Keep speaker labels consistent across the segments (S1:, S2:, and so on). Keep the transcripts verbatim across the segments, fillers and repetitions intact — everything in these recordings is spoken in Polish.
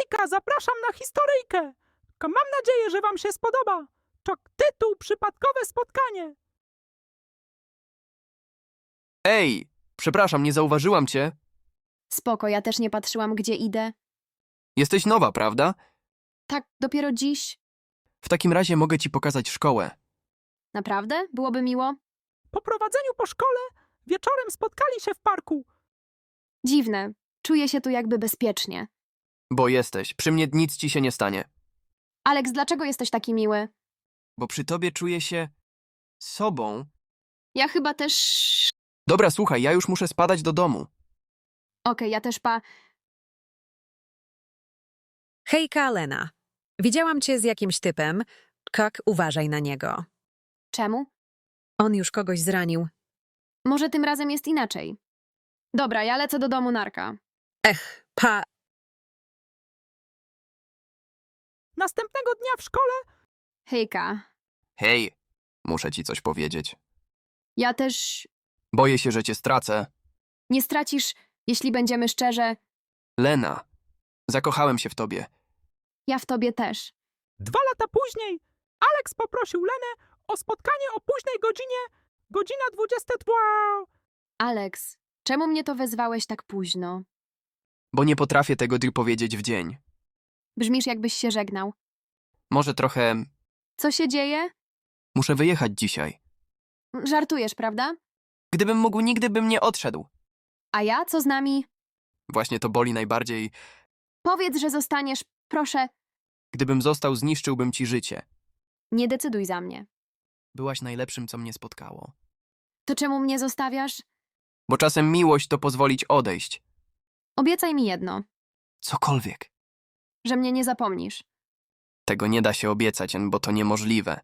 S1: Hejka, zapraszam na historyjkę. Mam nadzieję, że wam się spodoba. To tytuł Przypadkowe spotkanie.
S2: Ej, przepraszam, nie zauważyłam cię.
S3: Spoko, ja też nie patrzyłam, gdzie idę.
S2: Jesteś nowa, prawda?
S3: Tak, dopiero dziś.
S2: W takim razie mogę ci pokazać szkołę.
S3: Naprawdę? Byłoby miło?
S1: Po prowadzeniu po szkole wieczorem spotkali się w parku.
S3: Dziwne. Czuję się tu jakby bezpiecznie.
S2: Bo jesteś, przy mnie nic ci się nie stanie.
S3: Alex, dlaczego jesteś taki miły?
S2: Bo przy tobie czuję się... sobą.
S3: Ja chyba też...
S2: Dobra, słuchaj, ja już muszę spadać do domu.
S3: Okej, ja też pa...
S4: Hejka, Lena. Widziałam cię z jakimś typem. Kak, uważaj na niego.
S3: Czemu?
S4: On już kogoś zranił.
S3: Może tym razem jest inaczej. Dobra, ja lecę do domu, narka.
S4: Ech, pa...
S1: Następnego dnia w szkole
S3: Hejka.
S2: Hej, muszę ci coś powiedzieć.
S3: Ja też...
S2: Boję się, że cię stracę.
S3: Nie stracisz, jeśli będziemy szczerze.
S2: Lena, zakochałem się w tobie.
S3: Ja w tobie też.
S1: dwa lata później Alex poprosił Lenę o spotkanie o późnej godzinie, godzina dwudziesta dwa.
S3: Alex, czemu mnie to wezwałeś tak późno?
S2: Bo nie potrafię tego ty powiedzieć w dzień.
S3: Brzmisz, jakbyś się żegnał.
S2: Może trochę...
S3: Co się dzieje?
S2: muszę wyjechać dzisiaj.
S3: Żartujesz, prawda?
S2: Gdybym mógł, nigdy bym nie odszedł.
S3: A ja? Co z nami?
S2: Właśnie to boli najbardziej.
S3: Powiedz, że zostaniesz, proszę.
S2: Gdybym został, zniszczyłbym ci życie.
S3: Nie decyduj za mnie.
S2: Byłaś najlepszym, co mnie spotkało.
S3: To czemu mnie zostawiasz?
S2: Bo czasem miłość to pozwolić odejść.
S3: Obiecaj mi jedno,
S2: Cokolwiek.
S3: że mnie nie zapomnisz.
S2: Tego nie da się obiecać, bo to niemożliwe.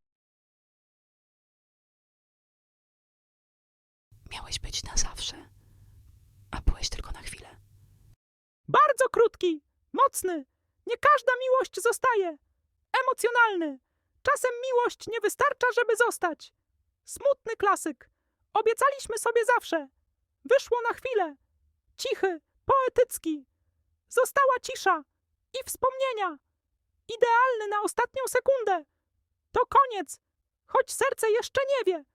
S5: Miałeś być na zawsze, a byłeś tylko na chwilę.
S1: Bardzo krótki, mocny. Nie każda miłość zostaje. Emocjonalny. Czasem miłość nie wystarcza, żeby zostać. Smutny klasyk. Obiecaliśmy sobie zawsze. Wyszło na chwilę. Cichy, poetycki. Została cisza i wspomnienia. Idealny na ostatnią sekundę. To koniec, choć serce jeszcze nie wie.